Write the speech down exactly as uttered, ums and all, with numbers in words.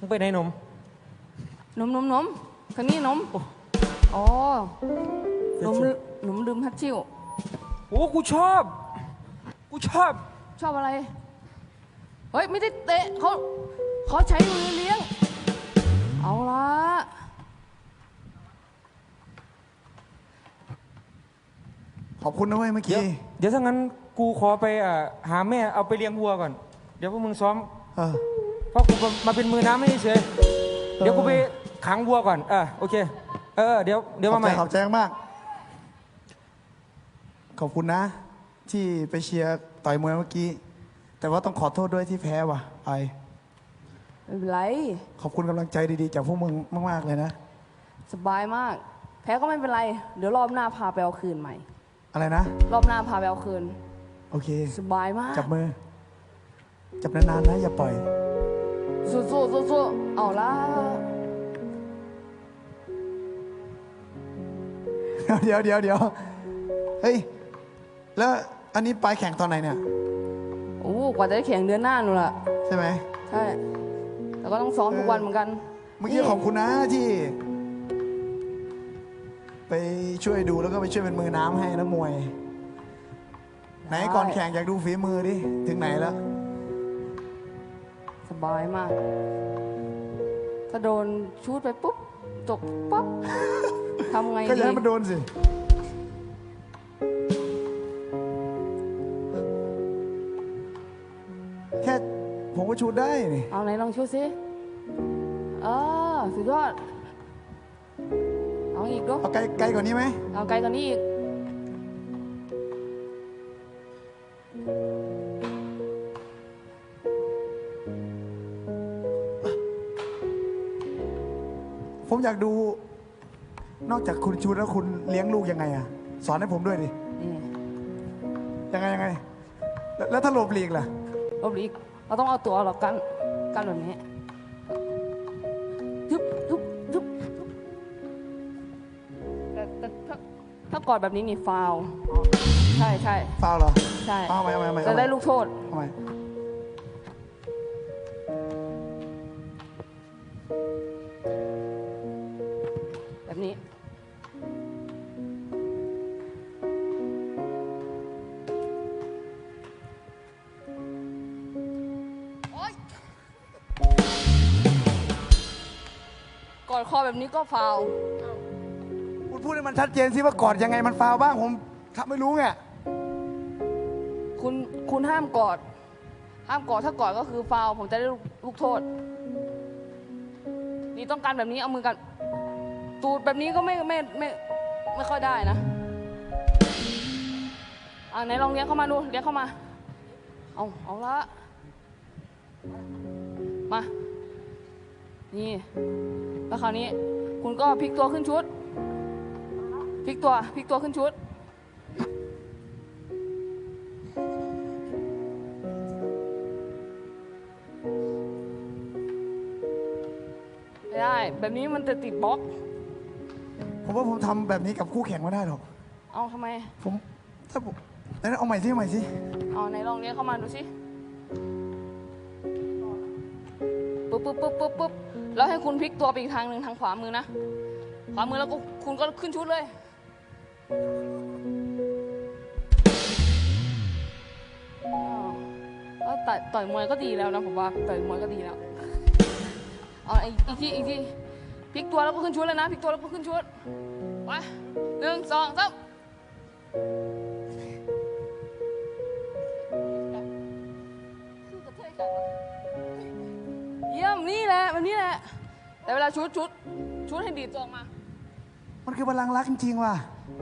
มึงไปไหนหนมหนมหนมหนมทางนี้หนมอ๋อหนมหนมดื่มฮัตชิวโอ้กูชอบกูชอบชอบอะไรเฮ้ยไม่ได้เตะเขาเขาใช้มือเลี้ยงเอาละขอบคุณนะเว้ยเมื่อกี้เดี๋ยวถ้างั้นกูขอไปหาแม่เอาไปเลี้ยงวัวก่อนเดี๋ยวพวกมึงซ้อมเพราะกูมาเป็นมือน้ำไม่เฉยเดี๋ยวกูไปขังวัวก่อนเออโอเคเออเดี๋ยวเดี๋ยวมาใหม่ขอบใจมากขอบคุณนะที่ไปเชียร์ต่อยมวยเมื่อกี้แต่ว่าต้องขอโทษด้วยที่แพ้ว่ะไอไม่เป็นไรขอบคุณกำลังใจดีๆจากพวกมึงมากๆเลยนะสบายมากแพ้ก็ไม่เป็นไรเดี๋ยวรอบหน้าพาไปเอาคืนใหม่อะไรนะรอบหน้าพาไปเอาคืนโอเคสบายมากจับมือจับนานๆนะอย่าปล่อยสู้สู้สู้สู้เอาละเดี๋ยวเดี๋ยวเดี๋ยวเฮ้ยแล้วอันนี้ไปแข่งตอนไหนเนี่ยโอ้กว่าจะได้แข่งเดือนหน้านู่นแหละใช่ไหมใช่แต่ก็ต้องซ้อมทุกวันเหมือนกันเมื่อกี้ขอบคุณนะที่ไปช่วยดูแล้วก็ไปช่วยเป็นมือน้ำให้นักมวยไหนก่อนแข่งอยากดูฝีมือดิถึงไหนแล้วสบายมากถ้าโดนชูดไปปุ๊บจบปั๊บทำไงดีก็อย่าให้มันโดนสิแค่ผมก็ชูดได้นี่เอาไหนลองชูดสิเออสุดยอดเอาอีกดูเอาไกลไกลกว่านี้ไหมเอาไกลกว่านี้อีกผมอยากดูนอกจากคุณชูแล้วคุณเลี้ยงลูกยังไงอะสอนให้ผมด้วยดิยังไงยังไงแล้วถ้าหลบหลีกล่ะหลบหลีกเราต้องเอาตัวเรากันกันแบบนี้ยุบยุบยุบแต่แต่ถ้าถ้ากอดแบบนี้นี่ฟาวใช่ใช่ฟาวเหรอใช่เอาไหมเอาไหมเอาไหมจะได้ลูกโทษเอาไหมแบบนี้กอดคอแบบนี้ก็ฟาวคุณพูดให้มันชัดเจนสิว่ากอดยังไงมันฟาวบ้างผมทำไม่รู้ไงคุณคุณห้ามกอดห้ามกอดถ้ากอดก็คือฟาวผมจะได้ลูกโทษนี่ต้องการแบบนี้เอามือกันตูดแบบนี้ก็ไม่ไม่ไม่ไม่ค่อยได้นะอ่าไหนลองเลี้ยงเข้ามาดูเลี้ยงเข้ามาเอาเอาละมานี่แล้วคราวนี้คุณก็พลิกตัวขึ้นชุดพลิกตัวพลิกตัวขึ้นชุดไม่ได้แบบนี้มันจะติดบล็อกผมว่าผมทำแบบนี้กับคู่แข่งไม่ได้หรอกเอาทำไมผมถ้าผมไหนเอาใหม่สิเอาใหม่สิเอาไหนลองเลี้ยงเข้ามาดูสิปุ๊บปุ๊บปุ๊บปุ๊บปุ๊บแล้วให้คุณพลิกตัวไปอีกทางหนึ่งทางขวามือนะขวามือแล้วก็คุณก็ขึ้นชุดเลยแล้วต่อยต่อยมวยก็ดีแล้วนะผมว่าต่อยมวยก็ดีแล้วเอาอีกทีอีกทีพลิกตัวแล้วก็ขึ้นชุดเลยนะพลิกตัวแล้วก็ขึ้นชุดไปหนึ่งสองสามเยี่ยมนี่แหละแบบนี้แหละแต่เวลาชุดชุดชุดให้ดีตัวออกมามันคือพลังรักจริงๆว่ะ